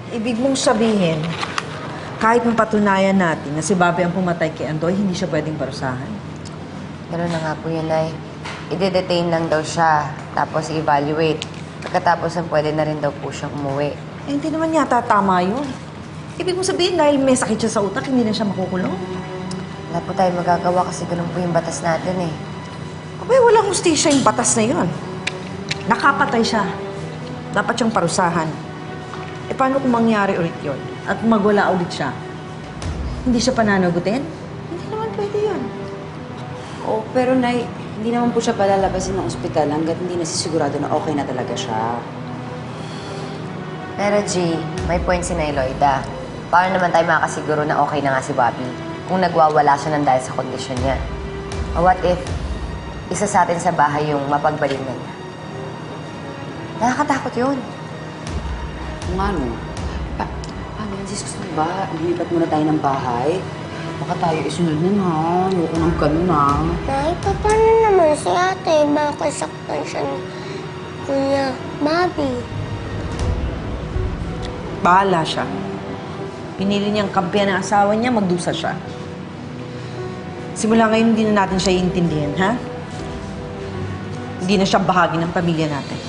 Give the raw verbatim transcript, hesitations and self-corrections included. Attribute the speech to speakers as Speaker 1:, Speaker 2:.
Speaker 1: Ibig mong sabihin, kahit mapatunayan natin na si Bobby ang pumatay kay Andoy, hindi siya pwedeng parusahan?
Speaker 2: Gano'n na nga po yun, Nay. I-detain lang daw siya, tapos i-evaluate. Pagkatapos ang pwede na rin daw po siyang umuwi.
Speaker 1: Eh, hindi naman yata tama yun. Ibig mong sabihin, dahil may sakit siya sa utak, hindi na siya makukulong?
Speaker 2: Wala po tayo magagawa kasi ganun po yung batas natin eh.
Speaker 1: Abay, walang hustisya yung batas na yun. Nakapatay siya. Dapat siyang parusahan. E paano kung mangyari ulit yun? At magwala ulit siya? Hindi siya pananagutin? Hindi naman pwede yun.
Speaker 3: Oh, pero Nay, hindi naman po siya palalabasin ng ospital hanggat hindi nasisigurado na okay na talaga siya.
Speaker 2: Pero G, may point si Nay Loida. Paano naman tayo makakasiguro na okay na nga si Bobby kung nagwawala siya ng dahil sa kondisyon niya? O what if isa sa atin sa bahay yung mapagbalin na niya? Nakakatakot yun.
Speaker 3: Kung ano, pa paano yan, sis? Gusto mo ba? Lumipat muna tayo ng bahay? Baka tayo isunod nun, ha? Ayoko nang ganun, ha?
Speaker 4: Nay, pa- paano naman si ate? Baka saktan siya ni Kuya Bobby.
Speaker 1: Bahala siya. Pinili niyang kampiyan ng asawa niya, magdusa siya. Simula ngayon, hindi na natin siya iintindihan, ha? Hindi na siya bahagi ng pamilya natin.